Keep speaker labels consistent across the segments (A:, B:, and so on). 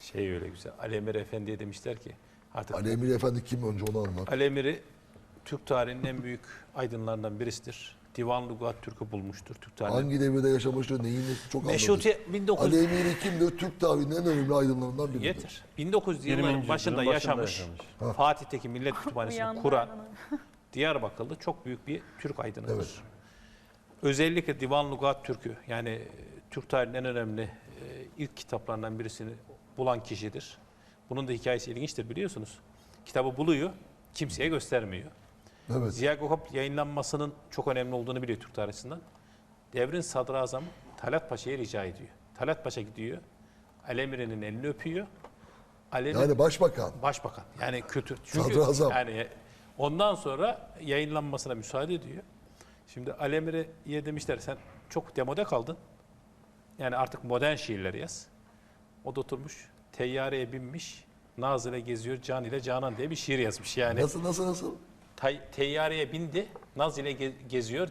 A: Şey öyle güzel. Ali Emir Efendi'ye demişler ki artık
B: Ali Emir Efendi kim, önce onu anlat.
A: Ali Emir'i Türk tarihinin en büyük aydınlarından birisidir. Divan Lugat Türk'ü bulmuştur. Türk tarihinin.
B: Hangi devirde yaşamıştır, neyini çok anladık.
A: Meşrutiyet 1900
B: Ali Emir kimdir? Türk tarihinin en önemli aydınlarından biridir.
A: Yeter. 1900
C: 20.
A: yılların başında
C: yüzyılın
A: yaşamış, Fatih'teki Millet Kütüphanesi'ni kuran Diyarbakırlı çok büyük bir Türk aydınıdır.
B: Evet.
A: Özellikle Divan Lugat Türk'ü, yani Türk tarihinin en önemli ilk kitaplarından birisini bulan kişidir. Bunun da hikayesi ilginçtir, biliyorsunuz. Kitabı buluyor, kimseye göstermiyor.
B: Evet.
A: Ziya Gökalp yayınlanmasının çok önemli olduğunu biliyor Türk tarihinden. Devrin sadrazamı Talat Paşa'ya rica ediyor. Talat Paşa gidiyor, Ali Emir'in elini öpüyor. Ali Emir,
B: Yani başbakan.
A: başbakan, yani kötü. Çünkü
B: Sadrazam.
A: yani ondan sonra yayınlanmasına müsaade ediyor. Şimdi Ali Emir'e demişler sen çok demode kaldın. Yani artık modern şiirler yaz. O da oturmuş, teyyareye binmiş, naz ile geziyor, can ile canan diye bir şiir yazmış. Yani
B: Nasıl?
A: teyyareye bindi, naz ile geziyor,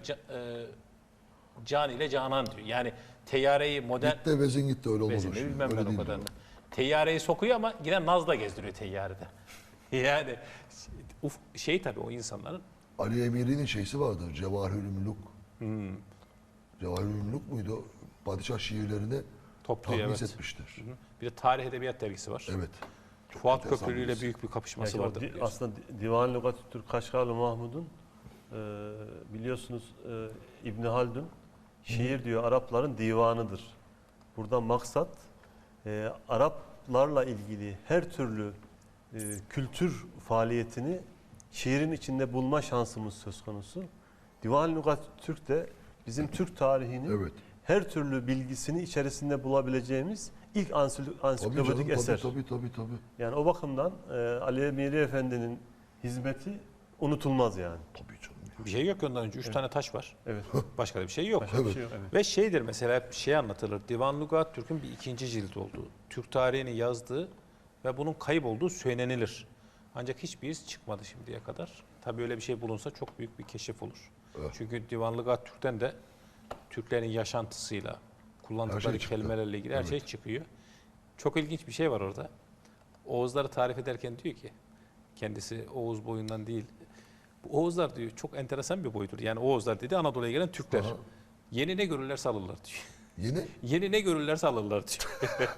A: can ile canan diyor. Yani teyyareyi modern...
B: Gitti vezin gitti, öyle olmaz.
A: Bezini
B: o şey.
A: bilmem
B: Öyle
A: ben o
B: değil
A: kadarını.
B: o.
A: Teyyareyi sokuyor ama yine nazla gezdiriyor teyyarede. Yani şey tabii o insanların
B: Ali Emir'in şeysi vardır, Cevahirül Müluk. Cevahirül Müluk muydu? Padişah şiirlerini
A: topluyor,
B: tahmis
A: evet.
B: etmiştir.
A: Bir de Tarih Edebiyat dergisi var.
B: Evet. Çok
A: Fuat
B: enteresan
A: Köprülü ile
B: birisi.
A: büyük bir kapışması
C: Yani
A: vardır. biliyorsun.
C: aslında Divan Lugat-ı Türk Kaşgarlı Mahmud'un biliyorsunuz İbn Haldun şiir diyor Arapların divanıdır. Burada maksat Araplarla ilgili her türlü kültür faaliyetini şiirin içinde bulma şansımız söz konusu. Divan Lugat-ı Türk de bizim Türk tarihinin
B: Evet.
C: her türlü bilgisini içerisinde bulabileceğimiz ilk ansiklopedik eser.
B: Tabii.
C: Yani o bakımdan Ali Emiri Efendi'nin hizmeti unutulmaz yani.
B: Tabii canım.
A: Bir şey yok ondan önce. 3 tane taş var.
C: Evet.
A: Başka da bir şey yok.
C: Başka bir şey yok. Evet.
A: Ve şeydir mesela hep şey anlatılır. Divan Lugat Türk'ün bir ikinci cilt olduğu, Türk tarihini yazdığı ve bunun kayıp olduğu söylenilir. Ancak hiçbir iz çıkmadı şimdiye kadar. Tabii öyle bir şey bulunsa çok büyük bir keşif olur.
B: Evet.
A: Çünkü Divan Lugat Türk'ten de Türklerin yaşantısıyla, kullandıkları
B: Her şey çıktı.
A: kelimelerle ilgili her şey çıkıyor. Çok ilginç bir şey var orada. Oğuzları tarif ederken diyor ki, kendisi Oğuz boyundan değil, bu Oğuzlar diyor çok enteresan bir boyudur. Yani Oğuzlar dedi Anadolu'ya gelen Türkler.
B: Aha.
A: Yeni ne görürlerse alırlar diyor.
B: Yeni
A: Yeni ne görürlerse alırlar diyor.